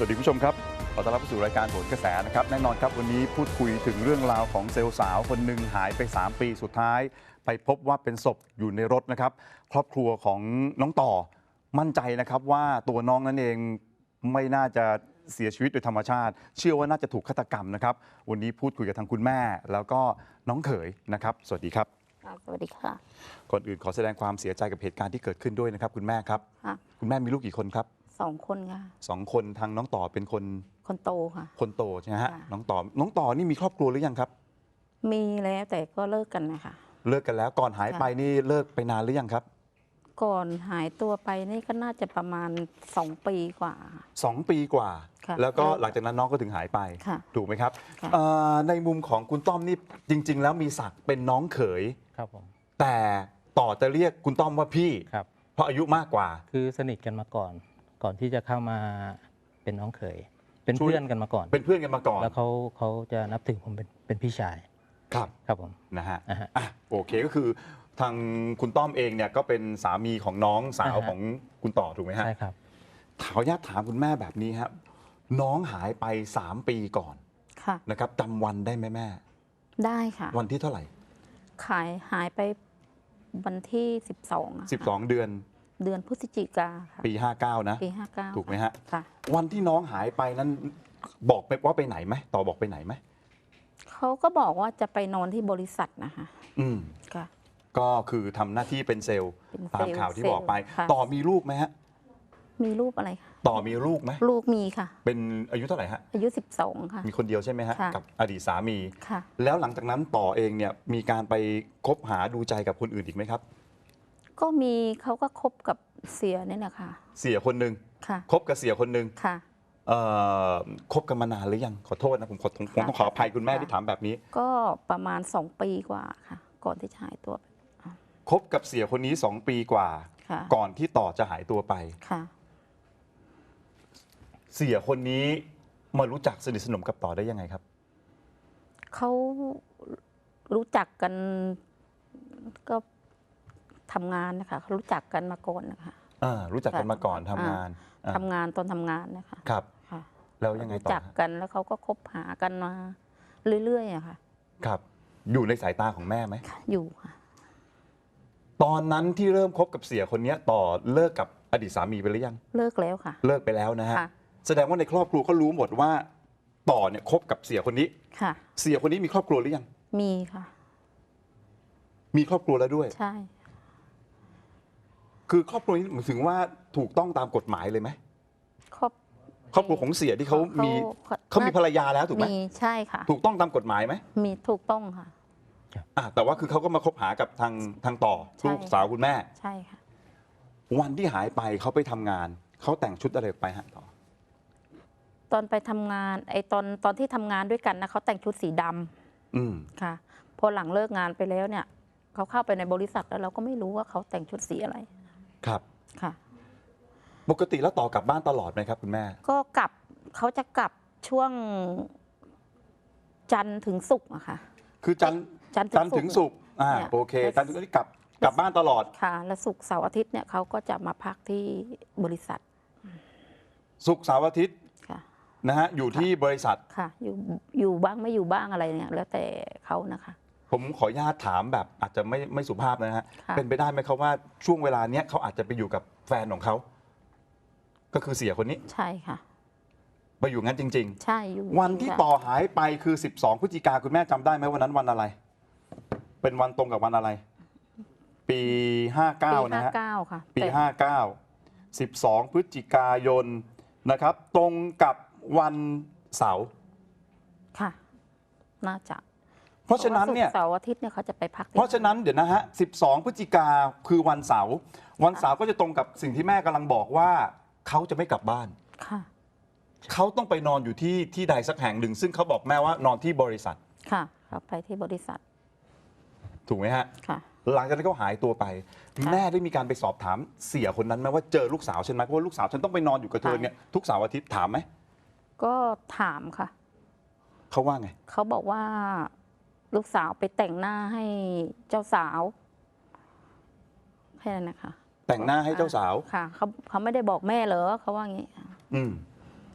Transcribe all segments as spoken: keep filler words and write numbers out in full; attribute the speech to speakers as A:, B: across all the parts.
A: วัสดีคุณผู้ชมครับขอต้อนรับเข้าสู่รายการโหนกระแสนะครับแน่นอนครับวันนี้พูดคุยถึงเรื่องราวของเซลล์สาวคนหนึ่งหายไปสามปีสุดท้ายไปพบว่าเป็นศพอยู่ในรถนะครับครอบครัวของน้องต่อมั่นใจนะครับว่าตัวน้องนั้นเองไม่น่าจะเสียชีวิตโดยธรรมชาติเชื่อว่าน่าจะถูกฆาตกรรมนะครับวันนี้พูดคุยกับทางคุณแม่แล้วก็น้องเขยนะครับสวัสดีครับ
B: สวัสดีค่ะ
A: ก่อนอื่นขอแสดงความเสียใจกับเหตุการณ์ที่เกิดขึ้นด้วยนะครับคุณแม่ครับคุณแม่มีลูกกี่คนครับ
B: สองคนค่ะ
A: สองคนทางน้องต่อเป็นคน
B: คนโตค่ะ
A: คนโตใช่ไหมฮะน้องต่อน้องต่อนี่มีครอบครัวหรือยังครับ
B: มีแล้วแต่ก็เลิกกันนะคะ
A: เลิกกันแล้วก่อนหายไปนี่เลิกไปนานหรือยังครับ
B: ก่อนหายตัวไปนี่ก็น่าจะประมาณสองปีกว่า
A: สองปีกว่าแล้วก็หลังจากนั้นน้องก็ถึงหายไปถูกไหมครับในมุมของคุณต้อมนี่จริงๆแล้วมีศักดิ์เป็นน้องเขย
C: ครับผม
A: แต่ต่อจะเรียกคุณต้อมว่าพี่
C: ครับ
A: เพราะอายุมากกว่า
C: คือสนิทกันมาก่อนก่อนที่จะเข้ามาเป็นน้องเขยเป็นเพื่อนกันมาก่อน
A: เป็นเพื่อนกันมาก่อน
C: แล้วเขาเขาจะนับถือผมเป็นเป็นพี่ชาย
A: ครับ
C: ครับผม
A: นะฮะอ่ะโอเคก็คือทางคุณต้อมเองเนี่ยก็เป็นสามีของน้องสาวของคุณต่อถูกไหมฮะ
C: ใช่ครับ
A: ขออนุญาตถามคุณแม่แบบนี้ครับน้องหายไปสามปีก่อนนะครับจำวันได้ไหมแม่
B: ได้ค่ะ
A: วันที่เท่าไหร่
B: ขายหายไปวันที่สิบสอง
A: สิบสองเดือน
B: เดือนพฤศจิกาค่ะ
A: ปีห้าเก้านะ
B: ปีห้าเก้า
A: ถูกไหมฮะ
B: ค่ะ
A: วันที่น้องหายไปนั้นบอกไปว่าไปไหนไหมต่อบอกไปไหนไหม
B: เขาก็บอกว่าจะไปนอนที่บริษัทนะคะ
A: อืม
B: ค่ะ
A: ก็คือทำหน้าที่เป็นเซลล์ตามข่าวที่บอกไปต่อมีลูกไหมฮะ
B: มีลูกอะไรคะ
A: ต่อมีลูกไหม
B: ลูกมีค่ะ
A: เป็นอายุเท่าไหร่ฮะ
B: อายุสิบสองค่ะ
A: มีคนเดียวใช่ไหมฮะกับอดีตสามี
B: ค่ะ
A: แล้วหลังจากนั้นต่อเองเนี่ยมีการไปคบหาดูใจกับคนอื่นอีกไหมครับ
B: ก็มีเขาก็คบกับเสียนี่แหละค่ะ
A: เสียคนหนึ่ง
B: ค่ะ
A: คบกับเสียคนหนึ่ง
B: ค่ะ
A: เอ่อคบกันมานานหรือยังขอโทษนะผมขอผมต้องขออภัยคุณแม่ที่ถามแบบนี้
B: ก็ประมาณสองปีกว่าค่ะก่อนที่จะหายตัวไป
A: คบกับเสียคนนี้สองปีกว่าก่อนที่ต่อจะหายตัวไป
B: ค่ะ
A: เสียคนนี้มารู้จักสนิทสนมกับต่อได้ยังไงครับ
B: เขารู้จักกันก็ทำงานนะคะเขารู้จักกันมาก่อนนะคะ
A: อ่ารู้จักกันมาก่อนทำงาน
B: ทำงานตอนทำงานนะคะ
A: ครับแล้วยังไงต่อ
B: รู้จักกันแล้วเขาก็คบหากันมาเรื่อยๆอะค่ะ
A: ครับอยู่ในสายตาของแม่ไหม
B: อยู่ค่ะ
A: ตอนนั้นที่เริ่มคบกับเสียคนนี้ต่อเลิกกับอดีตสามีไปหรือยัง
B: เลิกแล้วค่ะ
A: เลิกไปแล้วนะฮะแสดงว่าในครอบครัวก็รู้หมดว่าต่อเนี่ยคบกับเสียคนนี้
B: ค่ะ
A: เสียคนนี้มีครอบครัวหรือยัง
B: มีค่ะ
A: มีครอบครัวแล้วด้วย
B: ใช่
A: คือครอบครัวนี้หมายถึงว่าถูกต้องตามกฎหมายเลยไหม
B: ครอบ
A: ครอบครัวของเสียที่เขามีเขามีภรรยาแล้วถูกไหม
B: มีใช่ค่ะ
A: ถูกต้องตามกฎหมายไหม
B: มีถูกต้องค่ะ
A: อ่ะแต่ว่าคือเขาก็มาคบหากับทางทางต่อลูกสาวคุณแม่
B: ใช่ค่ะ
A: วันที่หายไปเขาไปทำงานเขาแต่งชุดอะไรไปฮะต่อ
B: ตอนไปทำงานไอ้ตอนตอนที่ทำงานด้วยกันนะเขาแต่งชุดสีดำ
A: อืม
B: ค่ะพอหลังเลิกงานไปแล้วเนี่ยเขาเข้าไปในบริษัทแล้วเราก็ไม่รู้ว่าเขาแต่งชุดสีอะไร
A: ครับ
B: ค่ะ
A: ปกติแล้วต่อกลับบ้านตลอดไหมครับคุณแม่
B: ก็กลับเขาจะกลับช่วงจันทร์ถึงศุกร์อะค่ะ
A: คือจันทร์จันทร์ถึงศุกร์อ่าโอเคจันทร์ถึงศุกร์กลับกลับบ้านตลอด
B: ค่ะและศุกร์เสาร์อาทิตย์เนี่ยเขาก็จะมาพักที่บริษัท
A: ศุกร์เสาร์อาทิตย์นะฮะอยู่ที่บริษัท
B: ค่ะอยู่อยู่บ้างไม่อยู่บ้างอะไรเนี่ยแล้วแต่เขานะคะ
A: ผมขออนุญาตถามแบบอาจจะไม่ไม่สุภาพนะฮะเป็นไปได้ไหมครับว่าช่วงเวลาเนี้ยเขาอาจจะไปอยู่กับแฟนของเขาก็คือเสียคนนี้
B: ใช่ค่ะ
A: ไปอยู่งั้นจริง
B: ๆใช่อยู่
A: วันที่ต่อหายไปคือสิบสองพฤศจิกาคุณแม่จำได้ไหมวันนั้นวันอะไรเป็นวันตรงกับวันอะไรปีห้าเก้านะฮะปีห้าเก้าสิบสองพฤศจิกายนนะครับตรงกับวันเสาร์
B: ค่ะน่าจะ
A: เพราะฉะนั้นเนี่ย
B: เสาร์อาทิตย์เนี่ยเขาจะไปพัก
A: เพราะฉะนั้นเดี๋ยวนะฮะสิบสองพฤศจิกาคือวันเสาร์วันเสาร์ก็จะตรงกับสิ่งที่แม่กำลังบอกว่าเขาจะไม่กลับบ้าน
B: ค่ะ
A: เขาต้องไปนอนอยู่ที่ที่ใดสักแห่งหนึ่งซึ่งเขาบอกแม่ว่านอนที่บริษัท
B: ค่ะเขาไปที่บริษัท
A: ถูกไหมฮะ
B: ค่ะ
A: หลังจากนั้นเขาหายตัวไปแม่ได้มีการไปสอบถามเสียคนนั้นไหมว่าเจอลูกสาวฉันไหมเพราะว่าลูกสาวฉันต้องไปนอนอยู่กับเธอเนี่ยทุกเสาร์อาทิตย์ถามไหม
B: ก็ถามค่ะ
A: เขาว่าไง
B: เขาบอกว่าลูกสาวไปแต่งหน้าให้เจ้าสาวแค่นั้นนะคะ
A: แต่งหน้าให้เจ้าสาว
B: ค่ะเขาเขาไม่ได้บอกแม่เหรอเขาว่างี้
A: อืม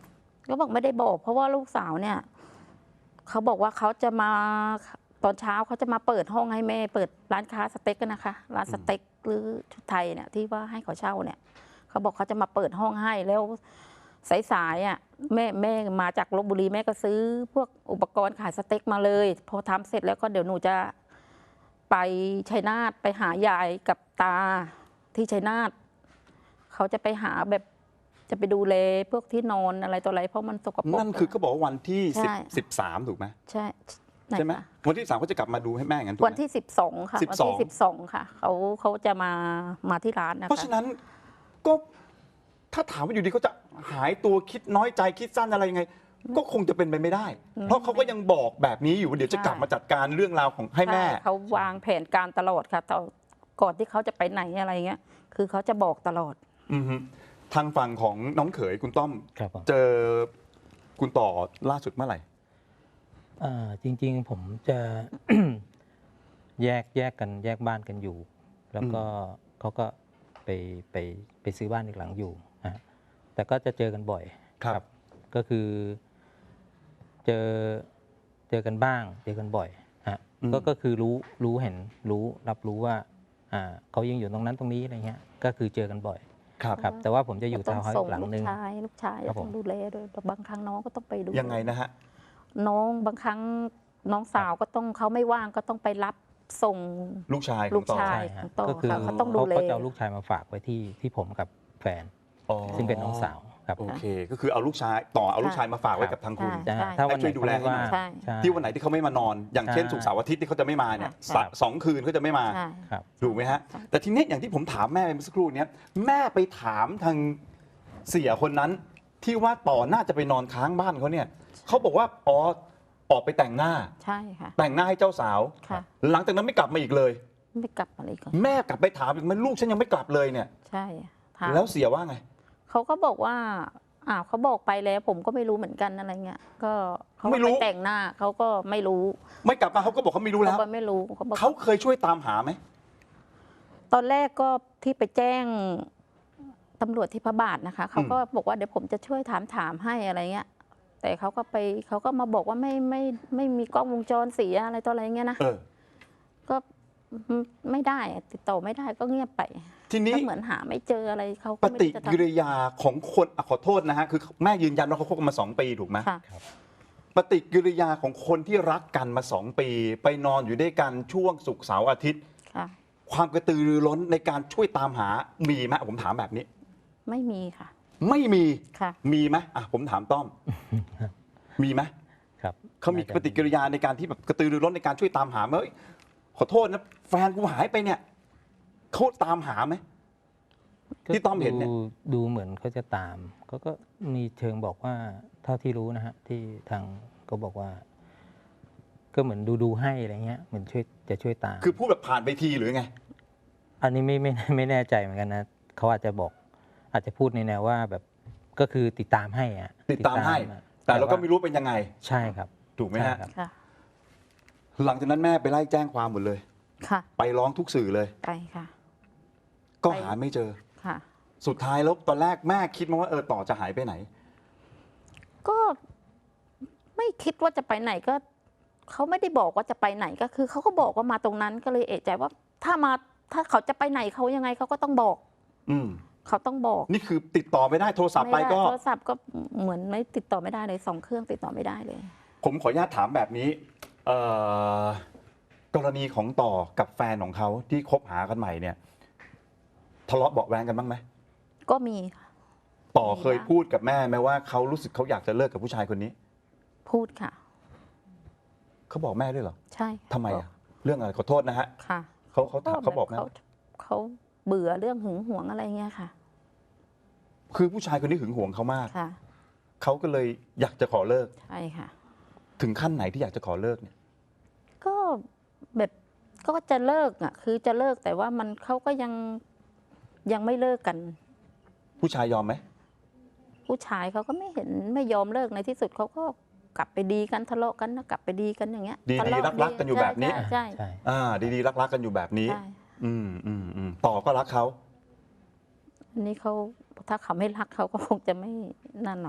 B: ก็บอกไม่ได้บอก เพราะว่าลูกสาวเนี่ยเขาบอกว่าเขาจะมาตอนเช้าเขาจะมาเปิดห้องให้แม่เปิดร้านค้าสเต็กกันนะคะร้านสเต็กหรือชุดไทยเนี่ยที่ว่าให้เขาเช่าเนี่ยเขาบอกเขาจะมาเปิดห้องให้แล้วสายๆอ่ะแม่แม่มาจากลพบุรีแม่ก็ซื้อพวกอุปกรณ์ขายสเต็กมาเลย พอทำเสร็จแล้วก็เดี๋ยวหนูจะไปชัยนาทไปหายายกับตาที่ชัยนาทเขาจะไปหาแบบจะไปดูแลพวกที่นอนอะไรต่ออะไรเพราะมันสกปรก
A: นั่นคือเขาบอกว่าวันที่สิบ
B: ใช่
A: สิบสามถูกไหม
B: ใช่น
A: ใช่ไหม
B: คะ
A: วันที่สามเขาจะกลับมาดูให้แม่งั้นถูกไหม
B: วันที่สิบสองค่ะ
A: สิบ
B: วัน
A: สอง
B: ที่สิบสองค่ะเขาเขาจะมามาที่ร้านนะคะ
A: เพราะฉะนั้นก็ถ้าถามว่าอยู่ดีเขาจะหายตัวคิดน้อยใจคิดสั้นอะไรยังไง ก็คงจะเป็นไปไม่ได้ เพราะเขาก็ยังบอกแบบนี้อยู่ว่าเดี๋ยวจะกลับมาจัดการเรื่องราวของให้แม่
B: ใช่เขาวางแผนการตลอดค่ะแต่ก่อนที่เขาจะไปไหนอะไรเงี้ย คือเขาจะบอกตลอด
A: อือฮึทางฝั่งของน้องเขยคุณต้อม
C: ครับผม
A: เจอคุณต่อล่าสุดเมื่อไหร่
C: เอ่อจริง ๆ ผมจะ แยกแยกกันแยกบ้านกันอยู่ แล้วก็เขาก็ไปไปไปซื้อบ้านอีกหลังอยู่นะฮะแต่ก็จะเจอกันบ่อย
A: ครับ
C: ก็คือเจอเจอกันบ้าง เจอกันบ่อยฮะ
A: อืม
C: ก็ก็คือรู้รู้เห็นรู้รับรู้ว่าอ่าเขายังอยู่ตรงนั้นตรงนี้อะไรเงี้ยก็คือเจอกันบ่อย
A: ครับ
C: ครับ แต่ว่าผมจะอยู่
B: ต้
C: ทา
B: อ
C: ว
B: ง
C: น์เฮาส์
B: ส่
C: อี
B: ง
C: กหลัง
B: ลูก
C: นึง
B: ชายลูกชาย
C: ครับผม
B: ต้องดูแลด้วยแต่บางครั้งน้องก็ต้องไปดู
A: ยังไงนะฮะ
B: น้องบางครั้งน้องสาวก็ต้องเขาไม่ว่างก็ต้องไปรับส่ง
A: ลูกชายข
B: ลู
A: อง
B: ก
A: ต่อ
B: ชาย
C: ใช่ฮะ
B: ของต่อ
C: ก็คือ
B: ค่ะเขาต้องดู
C: เขา
B: แล
C: เขาจะเอาลูกชายมาฝากไว้ที่ที่ผมกับแฟน
A: อ๋อ
C: ซึ่งเป็นน้องสาวครับ
A: โอเค ก็คือเอาลูกชายต่อเอาลูกชายมาฝากไว้กับทางคุณ
B: ใช่
C: จะถ้าวันไหน
A: ช่วยดูแล
C: เขาไม่
A: ให้หน่
C: ว่า
A: อย
B: ใช่
C: ใช่
A: ที่วันไหนที่เขาไม่มานอน อย่างเช่น
C: ใช่
A: ศุกร์เสาร์อาทิตย์ที่เขาจะไม่มาเนี่ย
B: ใช่
A: สะสองคืนเขาจะไม่มา
B: ใช่
C: ครับ
A: ถูกไหมฮะ แต่ทีนี้อย่างที่ผมถามแม่ไปเมื่อสักครู่เนี้ยแม่ไปถามทางเสียคนนั้น ที่ว่าต่อน่าจะไปนอนค้างบ้านเขาเนี่ยเขาบอกว่าอ๋อออกไปแต่งหน้า
B: ใช่ค่ะ
A: แต่งหน้าให้เจ้าสาว
B: ค่ะ
A: หลังจากนั้นไม่กลับมาอีกเลย
B: ไม่กลับมาเลยก่อน
A: แม่กลับไปถามอีกมันลูกฉันยังไม่กลับเลยเนี่ย
B: ใช่ถาม
A: แล้วเสียว่าไง
B: เขาก็บอกว่าอ้าวเขาบอกไปแล้ว ผมก็ไม่รู้เหมือนกันอะไรเงี้ยก็เขา
A: ไม่
B: ก็
A: รู้
B: ไปแต่งหน้าเขาก็ไม่รู้
A: ไม่กลับมาเขาก็บอกเขาไม่รู้แล้ว
B: เขาก็ไม่รู้เขาบอก
A: เขาเคยช่วยตามหาไหม
B: ตอนแรกก็ที่ไปแจ้งตำรวจที่พระบาทนะคะเขาก็บอกว่าเดี๋ยวผมจะช่วยถามถามให้อะไรเงี้ย แต่เขาก็ไปเขาก็มาบอกว่าไม่ไม่ไม่มีกล้องวงจรเสียอะไรต่ออะไรเงี้ยนะ
A: เออ
B: ก็ไม่ได้อะติดต่อไม่ได้ก็เงียบไป
A: ทีนี้
B: ก็เหมือนหาไม่เจออะไรเขา
A: ป
B: ก็ไม่
A: ฏิ
B: รู้จะ
A: กิ
B: ทำ
A: ริยาของคนอะขอโทษนะฮะคือแม่ยืนยันว่าเขาคบกันมาสองปีถูกไหม
B: ค่ะ
A: ปฏิกิริยาของคนที่รักกันมาสองปี ไปนอนอยู่ด้วยกันช่วงศุกร์เสาร์อาทิตย์
B: ค่ะ
A: ความกระตือรือร้นในการช่วยตามหามีไหมผมถามแบบนี้
B: ไม่มีค่ะ
A: ไม่มี
B: ค่ะ
A: มีไหมอ่ะผมถามต้อม มีไหม
C: ครับ
A: เขามีปฏิกิริยาในการที่แบบกระตือรือร้นในการช่วยตามหาไหมเอ้ยขอโทษนะแฟนกูหายไปเนี่ยเขาตามหาไหม ที่ต้อมเห็นเนี่ย
C: ดูดูเหมือนเขาจะตามเขาก็มีเชิงบอกว่าเท่าที่รู้นะฮะที่ทางก็บอกว่า ก็เหมือนดูดูให้อะไรเงี้ยเหมือนช่วยจะช่วยตาม
A: คือพูดแบบผ่านไปทีหรือไง
C: อันนี้ไม่ไม่ไม่แน่ใจเหมือนกันนะเขาอาจจะบอก อาจจะพูดในแนวว่าแบบก็คือติดตามให้อะ
A: ติดตามให้
C: อะ
A: แต่เราก็
C: ว่
A: ไม่รู้เป็นยังไง
C: ใช่ครับ
A: ถูกไหม
C: ใช่
A: ฮะ
C: ครับ
B: ค่ะ
A: หลังจากนั้นแม่ไปไล่แจ้งความหมดเลย
B: ค่ะ
A: ไปร้องทุกสื่อเลย
B: ไปค่ะ
A: ก็
B: ไป
A: หาไม่เจอ
B: ค่ะ
A: สุดท้ายแล้วตอนแรกแม่คิดมาว่าเออต่อจะหายไปไหน
B: ก็ไม่คิดว่าจะไปไหนก็เขาไม่ได้บอกว่าจะไปไหนก็คือเขาก็บอกว่ามาตรงนั้นก็เลยเอะใจว่า ถ้ามาถ้าเขาจะไปไหนเขายังไงเขาก็ต้องบอก
A: อืม
B: เขาต้องบอก
A: นี่คือติดต่อไม่ได้โทรศัพท์ไป
B: ม่ด้
A: ก็
B: โทรศัพท์ก็เหมือนไม่ติดต่อไม่ได้เลยสองเครื่องติดต่อไม่ได้เลย
A: ผมขออนุญาตถามแบบนี้เอ่อกรณีของต่อกับแฟนของเขาที่คบหากันใหม่เนี่ย ทะเลาะเบาะแว้งกันบ้างไหม
B: ก็มีค่ะ
A: ต่อเคยพูดกับแม่ไหมว่าเขารู้สึกเขาอยากจะเลิกกับผู้ชายคนนี้
B: พูดค่ะ
A: เขาบอกแม่ด้วยเหรอ
B: ใช่ค่ะ
A: ทำไมอ่ะเรื่องอะไรขอโทษนะฮะ
B: ค่ะ
A: เขาเขาถามเขาบอกแม่
B: เขาเขาเบื่อเรื่องหึงหวงอะไรเงี้ยค่ะ
A: คือผู้ชายคนนี้หึงหวงเขามาก
B: ค่ะ
A: เขาก็เลยอยากจะขอเลิก
B: ใช่ค่ะ
A: ถึงขั้นไหนที่อยากจะขอเลิกเนี่ย
B: ก็แบบก็จะเลิกอ่ะ คือจะเลิกแต่ว่ามันเขาก็ยังยังไม่เลิกกัน
A: ผู้ชายยอมไหม
B: ผู้ชายเขาก็ไม่เห็นไม่ยอมเลิกในที่สุดเขาก็กลับไปดีกันทะเลาะกันนะกลับไปดีกันอย่างเงี้ย
A: ดี
B: ทะ
A: ดี
B: เลาะ
A: รักรักๆกันอยู่แบบนี้
B: ใช่ใช่
C: ใช่
A: อ่า ดีๆรักๆกันอยู่แบบนี้
B: ใช่
A: อืมอืมอืมต่อก็รักเขา
B: อันนี้เขาถ้าเขาไม่รักเขาก็คงจะไม่นั่นหรอกค่ะ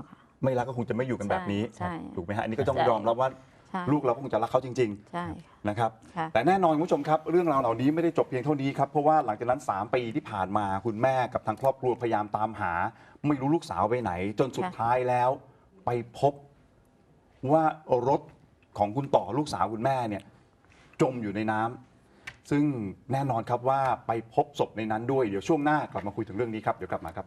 A: ไม่รักก็คงจะไม่อยู่กันแบบนี้
B: ใช่
A: ถูกไหมฮะอันนี้ก็ต้อง
B: ใช่
A: ยอมรับว่า
B: ใช่
A: ลูกเราก็คงจะรักเขาจริง
B: ใช่
A: ๆนะครับ
B: ค่ะ
A: แต่แน่นอนคุณผู้ชมครับเรื่องราวเหล่านี้ไม่ได้จบเพียงเท่านี้ครับเพราะว่าหลังจากนั้นสามปีที่ผ่านมาคุณแม่กับทางครอบครัวพยายามตามหา ไม่รู้ลูกสาวไปไหน จนสุดท้ายแล้ว ไปพบว่ารถของคุณต่อลูกสาวคุณแม่เนี่ยจมอยู่ในน้ำซึ่งแน่นอนครับว่าไปพบศพในนั้นด้วยเดี๋ยวช่วงหน้ากลับมาคุยถึงเรื่องนี้ครับเดี๋ยวกลับมาครับ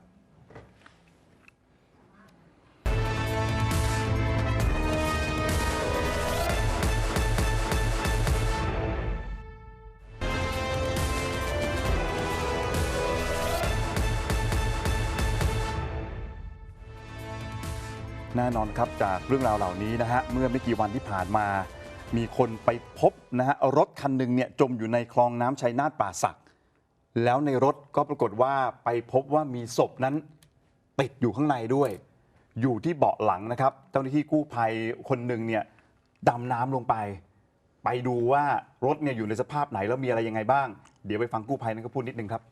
A: แน่นอนครับจากเรื่องราวเหล่านี้นะฮะเมื่อไม่กี่วันที่ผ่านมา มีคนไปพบนะฮะรถคันหนึ่งเนี่ยจมอยู่ในคลองน้ำชัยนาทป่าสัก แล้วในรถก็ปรากฏว่าไปพบว่ามีศพนั้นติดอยู่ข้างในด้วย อยู่ที่เบาะหลังนะครับเจ้าหน้าที่กู้ภัยคนหนึ่งเนี่ยดำน้ำลงไป ไปดูว่ารถเนี่ยอยู่ในสภาพไหนแล้วมีอะไรยังไงบ้าง เดี๋ยวไปฟังกู้ภัยนั้นก็พูดนิดนึงครับ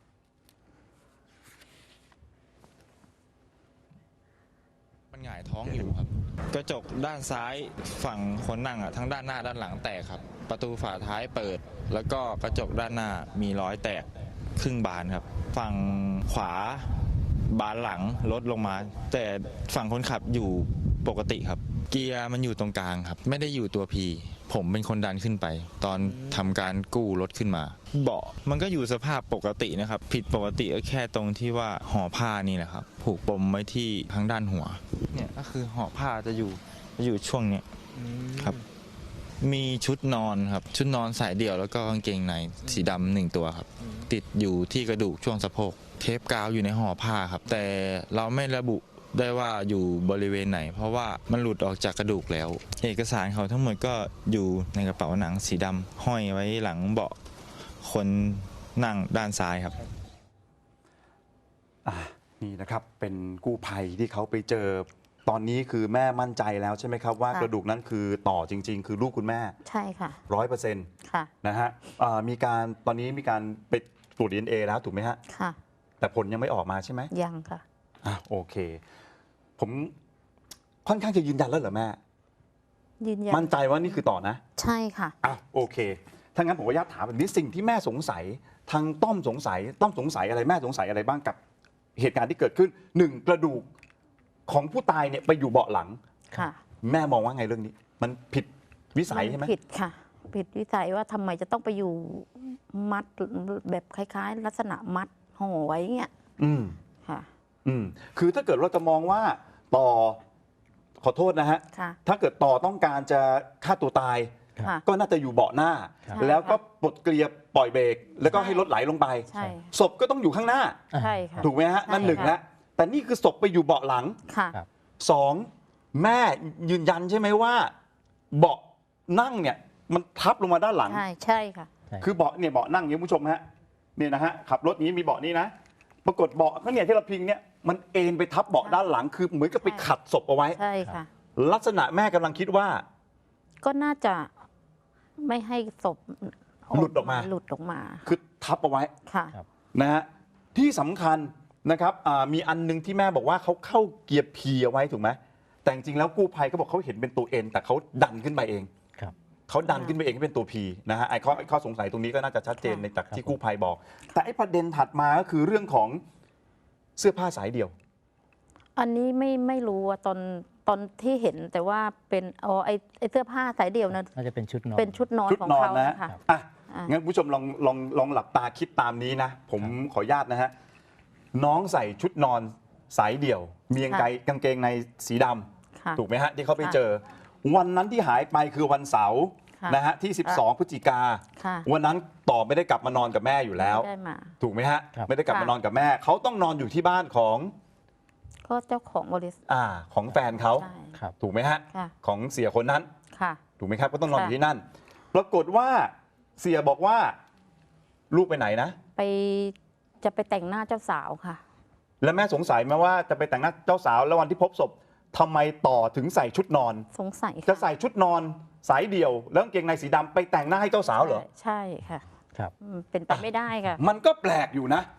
D: มันหงายท้องอยู่ครับกระจกด้านซ้ายฝั่งคนนั่งอ่ะทั้งด้านหน้าด้านหลังแตกครับประตูฝาท้ายเปิด แล้วก็กระจกด้านหน้ามีรอยแตกครึ่งบานครับฝั่งขวาบานหลังลดลงมา แต่ฝั่งคนขับอยู่ปกติครับเกียร์มันอยู่ตรงกลางครับไม่ได้อยู่ตัวพีผมเป็นคนดันขึ้นไป ตอนทำการกู้รถขึ้นมาเบาะมันก็อยู่สภาพปกตินะครับผิดปกติก็แค่ตรงที่ว่าห่อผ้านี่แหละครับผูกปมไว้ที่ทางด้านหัวเนี่ยก็คือห่อผ้าจะอยู่จะอยู่ช่วงเนี้ยครับมีชุดนอนครับชุดนอนสายเดี่ยวแล้วก็กางเกงในสีดำหนึ่งตัวครับติดอยู่ที่กระดูกช่วงสะโพกเทปกาวอยู่ในห่อผ้าครับแต่เราไม่ระบุได้ว่าอยู่บริเวณไหนเพราะว่ามันหลุดออกจากกระดูกแล้วเอกสารเขาทั้งหมดก็อยู่ในกระเป๋าหนังสีดำห้อยไว้หลังเบาะคนนั่งด้านซ้ายครับ
A: อ่ะนี่นะครับเป็นกู้ภัยที่เขาไปเจอตอนนี้คือแม่มั่นใจแล้วใช่ไหมครับว่า
B: ค่ะ
A: กระดูกนั้นคือต่อจริง ๆ คือลูกคุณแม่
B: ใช่ค่ะ
A: ร้อยเปอร์เซ็นต์
B: ค่ะ
A: นะฮะอ่ามีการตอนนี้มีการไปตรวจ ดี เอ็น เอ แล้วถูกไหมฮะ
B: ค่ะ
A: แต่ผลยังไม่ออกมาใช่ไหม
B: ยังค่ะ
A: อ่ะโอเค ผมค่อนข้างจะยืนยันแล้วเหรอแม่
B: ยืนยัน
A: มั่นใจว่านี่คือต่อนะ
B: ใช่ค่ะ
A: อ่ะโอเคถ้างั้นผมขออนุญาตถามแบบนี้สิ่งที่แม่สงสัยทางต้อมสงสัยต้อมสงสัยอะไรแม่สงสัยอะไรบ้างกับเหตุการณ์ที่เกิดขึ้นหนึ่งกระดูกของผู้ตายเนี่ยไปอยู่เบาะหลัง
B: ค่ะ
A: แม่มองว่าไงเรื่องนี้ มันผิดวิสัยใช่ไหม
B: นผิดค่ะ ผิดวิสัยว่าทำไมจะต้องไปอยู่มัดแบบคล้ายๆ ลักษณะมัดห่อไว้เงี้ย
A: อืม
B: ค่ะ
A: อืมคือถ้าเกิดเราจะมองว่าต่อขอโทษนะฮะ
B: ค่ะ
A: ถ้าเกิดต่อต้องการจะฆ่าตัวตาย
B: ค่ะ
A: ก็น่าจะอยู่เบาะหน้า
B: ใช่
A: แล้วก็ปลดเกลียปล่อยเบรกแล้วก็
B: ใช่
A: ให้รถไหลลงไป
B: ใช่
A: ศพก็ต้องอยู่ข้างหน้า
B: ใช่ค่ะ
A: ถูกไหมฮะ
B: ใช่
A: นั่นหนึ่ง
B: ค่ะ
A: แล้วแต่นี่คือศพไปอยู่เบาะหลัง
B: ค่ะ
C: ครับ
A: สองแม่ยืนยันใช่ไหมว่า เบาะนั่งเนี่ยมันทับลงมาด้านหลัง
B: ใช่ ใช่ค่ะ
C: ใช่
A: คือเบาะเนี่ยเบาะนั่งอย่างนี้คุณผู้ชมฮะเนี่ยนะฮะขับรถนี้มีเบาะนี้นะ ปรากฏเบาะก็เนี่ยที่เราพิงเนี่ยมันเอ็นไปทับเบาะด้านหลัง คือเหมือนกับไปขัดศพเอาไว้
B: ใช่ค่ะ
A: ลักษณะแม่กำลังคิดว่า
B: ก็น่าจะไม่ให้ศพ
A: หลุดออกมา
B: หลุดออกมา
A: คือทับเอาไว้
B: ค่ะ
A: นะฮะที่สำคัญนะครับอ่ามีอันนึงที่แม่บอกว่าเขาเข้าเกียร์พีเอาไว้ถูกไหมแต่จริงๆแล้วกู้ภัยเขาบอกเขาเห็นเป็นตัวเอ็นแต่เขาดันขึ้นไปเอง
C: ครับ
A: เขาดันขึ้นไปเองให้เป็นตัวพีนะฮะไอ้ข้อไอ้ข้อสงสัยตรงนี้ก็น่าจะชัดเจน
B: ค่ะ
A: ในจาก
C: ครับ
A: ที่กู้ภัยบอก แต่ไอ้ประเด็นถัดมาก็คือเรื่องของเสื้อผ้าสายเดี่ยว
B: อันนี้ไม่ไม่รู้อะตอนตอนที่เห็นแต่ว่าเป็นอ๋อไอไอเสื้อผ้าสายเดี่ยวนะ
C: น่าจะเป็นชุดนอน
B: เป็นชุดนอน
A: ชุด
B: ของ
A: นอน
B: เขา
A: นะ
B: ค่ะ
A: อ่ะ
B: อ่ะ
A: งั้นผู้ชมลองลองลองหลับตาคิดตามนี้นะ ผมขออนุญาตนะฮะ น้องใส่ชุดนอนสายเดี่ยว มีกางเกงกางเกงในสีด
B: ค่ะ
A: ำถูกไหมฮะ ที่เขาไป
B: ค่ะ
A: เจอ วันนั้นที่หายไปคือวันเสาร์
B: ค่ะ
A: นะฮะที่ สิบสอง พฤศจิกา
B: ค่ะ
A: วันนั้นต่อไม่ได้กลับมานอนกับแม่อยู่แล้ว
B: ไม่ได้มา
A: ถูกไหมฮะ
C: ครับ
A: ไม่ได้กลับ
B: ค่ะ
A: มานอนกับแม่ เขาต้องนอนอยู่ที่บ้านของ
B: ก็เจ้าของบริษัท
A: อ่าของแฟนเขา
B: ใช่
C: ครับ
A: ถูกไหมฮะ
B: ค่ะ
A: ของเสียคนนั้น
B: ค่ะ
A: ถูกไหมครับก็ต้องนอนอ
B: ค่ะ
A: ยู่ที่นั่น ปรากฏว่าเสียบอกว่าลูกไปไหนนะ
B: ไปจะไปแต่งหน้าเจ้าสาวค่ะ
A: แล้วแม่สงสัยไหมว่าจะไปแต่งหน้าเจ้าสาวแล้ววันที่พบศพทำไมต่อถึงใส่ชุดนอน
B: สงสัย
A: จะใส่ชุดนอนสายเดี่ยว แล้วกางเกงในสีดำไปแต่งหน้าให้เจ้าสาวเหรอ
B: ใช่ค่ะ
C: ครับ
B: อืมเป็นไปไม่ได้ค่ะ
A: มันก็แปลกอยู่นะ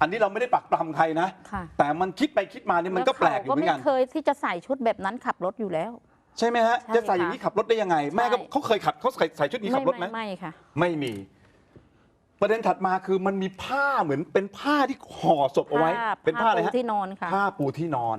A: อันนี้เราไม่ได้ปักปรำใครนะ
B: ค่ะ
A: แต่มันคิดไปคิดมาเนี่ยมันก็แปลกอยู่เหมือนกัน
B: แล้วเขาก็ไม่เคยที่จะใส่ชุดแบบนั้นขับรถอยู่แล้ว
A: ใช่ไหมฮะ
B: ใช่
A: จะใส่อย่างนี้ขับรถได้ยังไง แม่ก็
B: ใช่
A: เขาเคยขับเขาใส่ใส่ชุดนี้ขับรถไหม
B: ไม่ค่ะ
A: ไม่มี ประเด็นถัดมาคือมันมีผ้าเหมือนเป็นผ้าที่ห่อศพเอาไว้ เป็นผ้าอะไรฮะ
B: ปูที่นอนค่ะ
A: ผ้าปูที่นอน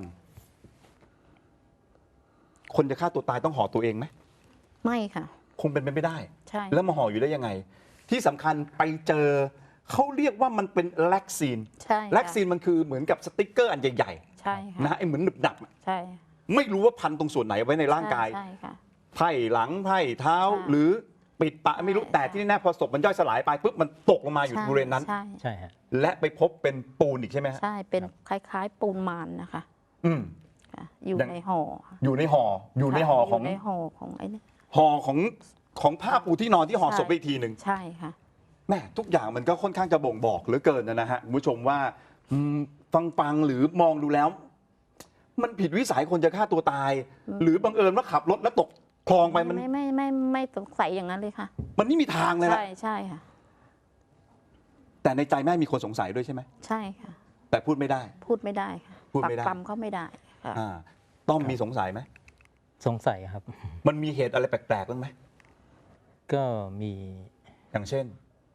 A: คนจะฆ่าตัวตายต้องห่อตัวเองไหม
B: ไม่ค่ะ
A: คงเป็นไปไม่ได้
B: ใช่
A: แล้วมาห่ออยู่ได้ยังไง ที่สำคัญไปเจอเขาเรียกว่ามันเป็นแล็กซีน
B: ใช่ค่ะ
A: แล็กซีนมันคือเหมือนกับสติ๊กเกอร์อันใหญ่
B: ใช่
A: ๆ
B: ค่ะ
A: นะไอ้เหมือนหนึบหนับ
B: ใช่
A: ไม่รู้ว่าพันตรงส่วนไหนไว้ในร่างกาย
B: ใช่ค่ะ
A: ไพ่หลังไพ่เท้า
B: ใช่
A: หรือปิดปะไม่รู้
B: ใช่
A: แต่ที่แน่ๆพอศพมันย่อยสลายไปปุ๊บมันตกลงมาอยู่บริเวณนั้น
B: ใช่
C: ใช่ฮะ
A: และไปพบเป็นปูนอีกใช่ไหมฮะ
B: ใช่เป็นคล้ายๆ ปูนมานนะคะ
A: อืม
B: ค่ะอยู่
A: ยัง
B: ในห่อค่ะ
A: อยู่ในห่ออยู่ในห่อของ
B: ยู่ในห่อของไอ้นี่
A: ห่อของของผ้าปูที่นอนที่ห่อศพไปอีกทีหนึ่ง
B: ใช่ค่ะ
A: แม่ทุกอย่างมันก็ค่อนข้างจะบ่งบอกเหลือเกินนะฮะคุณผู้ชมว่าอืมฟังฟังหรือมองดูแล้ว มันผิดวิสัยคนจะฆ่าตัวตาย
B: อืม
A: หรือบังเอิญว่าขับรถแล้วตกคลองไปมัน
B: ไม่ไม่ไม่ไม่ไม่สงสัยอย่างนั้นเลยค่ะ
A: มันไม่มีทางเลยนะ
B: ใช่ใช่ค่ะ
A: แต่ในใจแม่มีคนสงสัยด้วยใช่ไหม
B: ใช่ค่ะ
A: แต่พูดไม่ได้
B: พูดไม่ได้ค่ะ
A: พูดไม่ได้
B: ปักปำเขาไม่ได้ค่ะ
A: อ่าต้อมมีสงสัยไหม
C: สงสัยครับ
A: มันมีเหตุอะไรแปลกๆบ้างไหม
C: ก็มี
A: อย่างเช่น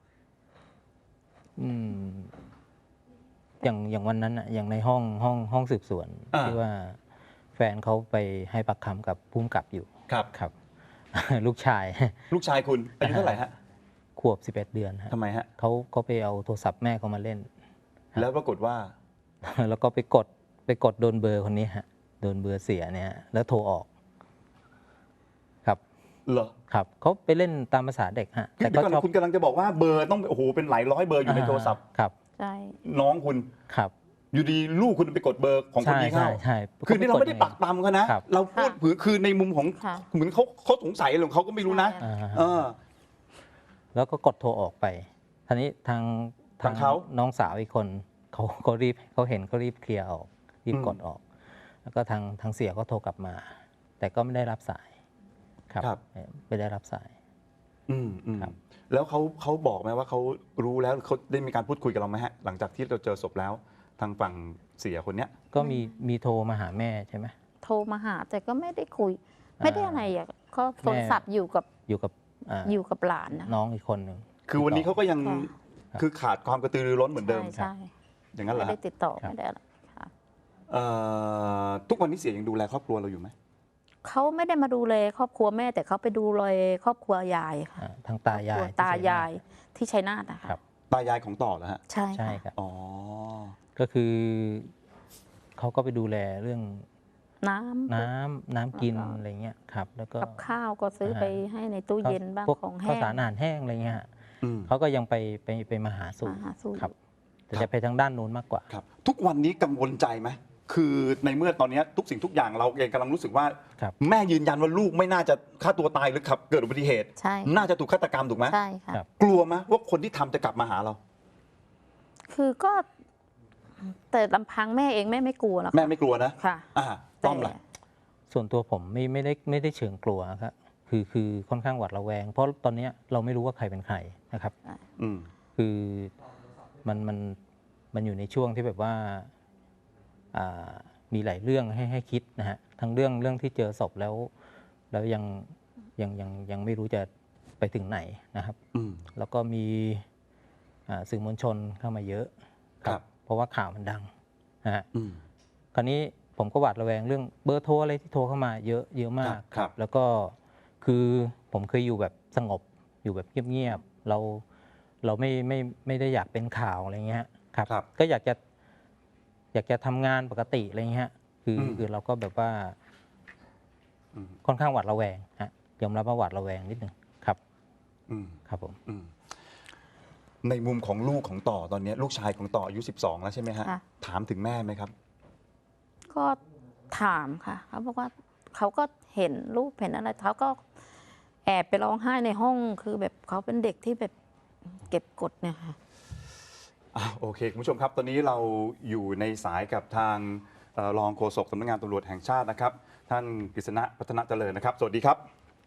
C: อืมอย่างอย่างวันนั้นอะอย่างในห้องห้องห้องสืบสวน
A: อ่า
C: ที่ว่าแฟนเขาไปให้ปากคำกับภูมิกับอยู่
A: ครับ
C: ครับ ลูกชาย
A: ลูกชายคุณอายุเท่าไหร่ฮะ
C: ขวบสิบเอ็ดเดือนฮะ
A: ทำไมฮะ
C: เขาเขาไปเอาโทรศัพท์แม่เขามาเล่น
A: แล้วปรากฏว่า
C: แล้วก็ไปกดไปกดโดนเบอร์คนนี้ฮะโดนเบอร์เสียเนี่ยฮะแล้วโทรออก ครับ
A: เหรอ
C: ครับเขาไปเล่นตามภาษาเด็กฮะ
A: คือเดี๋ยวก่อนคุณกำลังจะบอกว่าเบอร์ต้องโอ้โหเป็นหลายร้อยเบอร์อยู่ในโทรศัพท์
C: ครับ
B: ใช่
A: น้องคุณ
C: ครับ
A: อยู่ดีลูกคุณไปกดเบอร์ของคน
C: ใช่
A: นี้
C: ใช่
A: เข้า
C: ใช่
A: คือนี่เราไม่ได้ปักปำเขานะ
C: ครับ
A: เราพูดผือคือในมุมของ
B: ค่ะ
A: เหมือนเขาเขาสงสัยอะไรของเขาก็ไม่รู้นะ
C: อ่าฮะ
A: เออ
C: แล้วก็กดโทรออกไปทีนี้ทาง
A: ทางเขา
C: น้องสาวอีกคนเขาเขารีบเขาเห็นเขารีบเคลียร์ออกรีบ
A: อืม
C: กดออก แล้วก็ทางทางเสียก็โทรกลับมา แต่ก็ไม่ได้รับสาย ครับ
A: ครับ
C: ไม่ได้รับสาย
A: อืมอืม
C: ครับ
A: แล้วเขาเขาบอกไหมว่าเขารู้แล้วเขาได้มีการพูดคุยกับเราไหมฮะหลังจากที่เราเจอศพแล้ว ทางฝั่งเสียคนเนี้ย
C: ก็มีมีโทรมาหาแม่ใช่ไหม
B: โทรมาหาแต่ก็ไม่ได้คุย ไม่ได้อะไรอ่ะก็โทรศัพท์อยู่กับ
C: อยู่กับอ่า
B: อยู่กับหลานนะ
C: น้องอีกคนหนึ่ง
A: คือวันนี้เขาก็ยัง
B: ค่ะ
A: คือขาดความกระตือรือร้นเหมือนเดิม
B: ใช่ใช่
A: อย่างนั้นเหร
B: ไม่
A: อ
B: ได้
A: ฮะ
B: ติดต่อ
C: ครับ
B: ไม่ได้อะไรค่ะ
A: เอ่อทุกวันนี้เสียยังดูแลครอบครัวเราอยู่ไหม
B: เขาไม่ได้มาดูแลครอบครัวแม่ แต่เขาไปดูแลครอบครัวยายค่ะ
C: อ่าทางตายาย
B: ครอบครัว
C: ที่
B: ตายาย
C: ชันาท
B: ที่ชัยนาทนะคะ
C: ครับ
A: ตายายของต่อเหรอฮะ
B: ใช่
C: ใช่
B: ค่ะ
C: ครับ
A: อ๋อ
C: ก็คือเขาก็ไปดูแลเรื่อง
B: น้ำ
C: น้ำน้ำกิน
B: แล้วก็
C: อะไรเงี้ยครับ แล้วก็
B: กับข้าวก็ซื้อไปให้ในตู้เย็นบ้าง
C: พวก
B: ของ
C: ข้าว
B: แห้ง
C: สารอาหารแห้งอะไรเงี้ยฮะ
A: อืม
C: เขาก็ยังไปไปไปมาหาสู่
B: มาหาสู่
C: ครับ แต่
A: ครับ
C: จะไปทางด้านนู้นมากกว่า
A: ครับ ทุกวันนี้กังวลใจไหมคือในเมื่อตอนนี้ทุกสิ่งทุกอย่างเราเองกำลังรู้สึกว่า
C: ครับ
A: แม่ยืนยันว่าลูกไม่น่าจะฆ่าตัวตายหรือขับเกิดอุบัติเหตุ
B: ใช่
A: น่าจะถูกฆาตกรรมถูกไหม
B: ใช่ค่ะ
C: ครับ
A: กลัวไหมว่าคนที่ทำจะกลับมาหาเรา
B: คือก็ แต่ลำพังแม่เองแม่ไม่กลัวหรอก
A: แม่ไม่กลัวนะ
B: ค่ะ
A: อ่าต้อมล่ะ
C: ส่วนตัวผมไม่ไม่ได้ไม่ได้เชิงกลัวครับคือคือค่อนข้างหวาดระแวง เพราะตอนเนี้ยเราไม่รู้ว่าใครเป็นใครนะครับ
A: อืม
C: คือมันมันมันอยู่ในช่วงที่แบบว่าอ่ามีหลายเรื่องให้ให้คิดนะฮะทั้งเรื่องเรื่องที่เจอศพแล้ว แล้วยังยังยังยังไม่รู้จะไปถึงไหนนะครับ
A: อืม
C: แล้วก็มีอ่าสื่อมวลชนเข้ามาเยอะ
A: ครับ
C: เพราะว่าข่าวมันดังนะฮะ
A: อืม
C: คราวนี้ผมก็หวาดระแวงเรื่องเบอร์โทรอะไรที่โทรเข้ามาเยอะเยอะมาก
A: ครับ
C: แล้วก็คือผมเคยอยู่แบบสงบอยู่แบบเงียบๆเราเราไม่ไม่ไม่ได้อยากเป็นข่าวอะไรเงี้ยครับ
A: ครับ
C: ก็อยากจะอยากจะทำงานปกติอะไรเงี้ยคืออ
A: ม
C: คือเราก็แบบว่า
A: อืม
C: ค่อนข้างหวาดระแวงฮะยอมรับว่าหวาดระแวงนิดหนึ่งครับ
A: อืม
C: ครับผม
A: อืมในมุมของลูกของต่อตอนนี้ลูกชายของต่ออายุสิบสองแล้วใช่ไหมฮะ
B: ค่ะ
A: ถามถึงแม่ไหมครับ
B: ก็ถามค่ะเขาบอกว่าเขาก็เห็นรูปเห็นอะไรเขาก็แอบไปร้องไห้ในห้องคือแบบเขาเป็นเด็กที่แบบเก็บกดเนี่ยค่ะ
A: อ่ะโอเคคุณผู้ชมครับ ตอนนี้เราอยู่ในสายกับทางเอ่อรองโฆษกสำนักงานตำรวจแห่งชาตินะครับ ท่านกฤษณะพัฒนาเจริญนะครับ สวัสดีครับ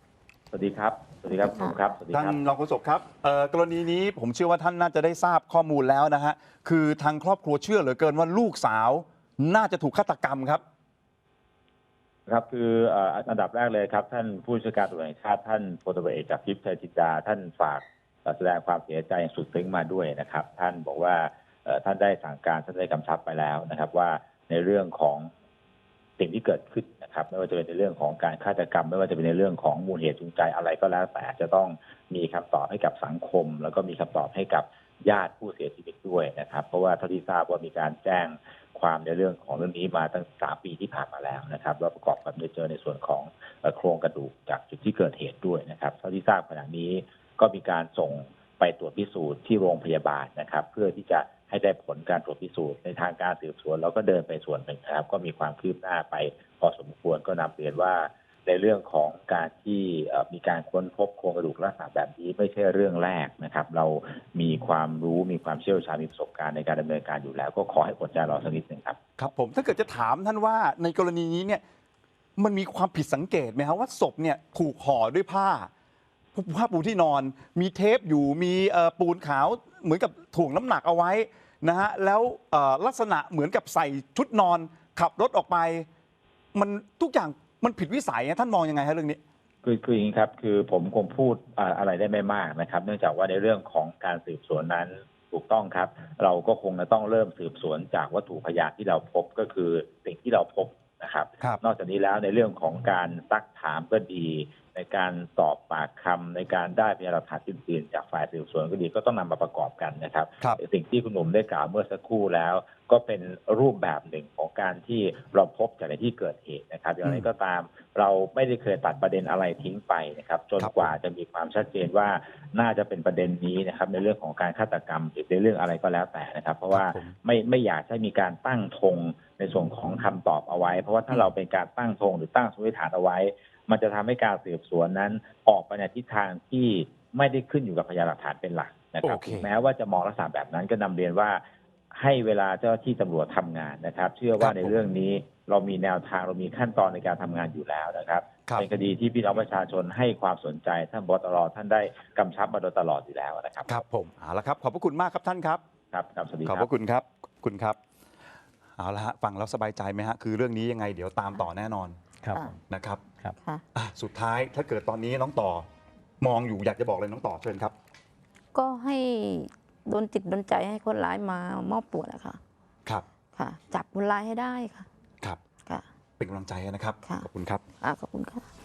E: สวัสดีครับ สวัสดีครับคุณหนุ่มครับ สวัสดี
A: ท่าน
E: ครับ
A: รองโฆษกครับเอ่อกรณีนี้ผมเชื่อว่าท่านน่าจะได้ทราบข้อมูลแล้วนะฮะคือทางครอบครัวเชื่อเหลือเกินว่าลูกสาวน่าจะถูกฆาตกรรมครับ
E: ครับคือเอ่ออันดับแรกเลยครับท่านผู้บัญชาการตำรวจแห่งชาติท่านพลตำรวจเอกจากทิพย์ชัยจินดาท่านฝากเอ่อแสดงความเสียใจอย่างสุดซึ้งมาด้วยนะครับ ท่านบอกว่าเอ่อท่านได้สั่งการท่านได้กำชับไปแล้วนะครับ ว่าในเรื่องของสิ่งที่เกิดขึ้นนะครับ ไม่ว่าจะเป็นในเรื่องของการฆาตกรรม ไม่ว่าจะเป็นในเรื่องของมูลเหตุจูงใจอะไรก็แล้วแต่จะต้องมีคำตอบให้กับสังคม แล้วก็มีคำตอบให้กับญาติผู้เสียชีวิตด้วยนะครับ เพราะว่าเท่าที่ทราบว่ามีการแจ้งความในเรื่องของเรื่องนี้มาตั้งสามปีที่ผ่านมาแล้วนะครับแล้วประกอบกับได้เจอในส่วนของเอ่อโครงกระดูกจากจุดที่เกิดเหตุด้วยนะครับเท่าที่ทราบขณะนี้ก็มีการส่งไปตรวจพิสูจน์ที่โรงพยาบาลนะครับ เพื่อที่จะให้ได้ผลการตรวจพิสูจน์ในทางการสืบสวนเราก็เดินไปส่วนหนึ่งนะครับ ก็มีความคืบหน้าไปพอสมควรก็นำเรียนว่าในเรื่องของการที่เอ่อมีการค้นพบโครงกระดูกลักษณะแบบนี้ไม่ใช่เรื่องแรกนะครับ เรามีความรู้มีความเชี่ยวชาญมีประสบการณ์ในการดำเนินการอยู่แล้ว ก็ขอให้อดใจรอสักนิดหนึ่งครับ
A: ครับผมถ้าเกิดจะถามท่านว่าในกรณีนี้เนี่ยมันมีความผิดสังเกตไหมครับว่าศพเนี่ยถูกห่อด้วยผ้าผ้าปูที่นอน มีเทปอยู่มีเอ่อปูนขาวเหมือนกับถ่วงน้ำหนักเอาไว้นะฮะแล้วเอ่อลักษณะเหมือนกับใส่ชุดนอนขับรถออกไป มันทุกอย่างมันผิดวิสัยนะท่านมองยังไงฮะเรื่องนี้
E: คือคืออย่างนี้ครับคือผมคงพูดอ่าอะไรได้ไม่มากนะครับ เนื่องจากว่าในเรื่องของการสืบสวนนั้นถูกต้องครับ เราก็คงจะต้องเริ่มสืบสวนจากวัตถุพยานที่เราพบก็คือสิ่งที่เราพบนะครับ
A: ครับ
E: นอกจากนี้แล้วในเรื่องของการซักถามก็ดี ในการสอบปากคำในการได้พยานหลักฐานอื่นๆจากฝ่ายสืบสวนก็ดีก็ต้องนำมาประกอบกันนะครับ
A: ครับ
E: สิ่งที่คุณหนุ่มได้กล่าวเมื่อสักครู่แล้ว ก็เป็นรูปแบบหนึ่งของการที่เราพบจากในที่เกิดเหตุนะครับอย่างไรก็ตาม เราไม่ได้เคยตัดประเด็นอะไรทิ้งไปนะครับจนกว่าจะมีความชัดเจนว่าน่าจะเป็นประเด็นนี้นะครับในเรื่องของการฆาตกรรมหรือในเรื่องอะไรก็แล้วแต่นะครับ เพราะว่า
A: ครับผม
E: ไม่ไม่อยากให้มีการตั้งธงในส่วนของคำตอบเอาไว้ เพราะว่าถ้าเราเป็นการตั้งธงหรือตั้งสมมติฐานเอาไว้ มันจะทำให้การสืบสวนนั้นออกไปในทิศทางที่ไม่ได้ขึ้นอยู่กับพยานหลักฐานเป็นหลักนะครับ
A: โอเค
E: ถึงแม้ว่าจะมองลักษณะแบบนั้นก็นำเรียนว่าให้เวลาเจ้าหน้าที่ตำรวจทำงานนะครับ เชื่อว่าในเรื่องนี้เรามีแนวทางเรามีขั้นตอนในการทำงานอยู่แล้วนะครับ
A: ครับ
E: เป็นคดีที่พี่น้องประชาชนให้ความสนใจท่านบตรท่านได้กำชับมาโดยตลอดอยู่แล้วนะครับ
A: ครับผมเอาละครับขอบพระคุณมากครับท่านครับ
E: ครับครับสวัสดี
A: ขอบ
E: ค
A: พ
E: รับ
A: ระคุณครับขอบคุณครับเอาละฮะฟังแล้วสบายใจไหมฮะคือเรื่องนี้ยังไงเดี๋ยวตามต่อแน่นอน
C: ครับ
B: ค่ะ
C: ผม
A: นะครับ
C: ครับ
B: ค่ะ
A: อ่ะสุดท้ายถ้าเกิดตอนนี้น้องต่อ มองอยู่อยากจะบอกอะไรน้องต่อเชิญครับ
B: ก็ให้โดนจิตโดนใจให้คนร้ายมามอบตัวนะคะ
A: ครับ
B: ค่ะ จับคนร้ายให้ได้ค่ะ
A: ครับ
B: ค่ะ
A: เป็นกำลังใจให้นะครับ
B: ค่ะ
A: ขอบคุณครับ
B: อ่าขอบคุณค่ะ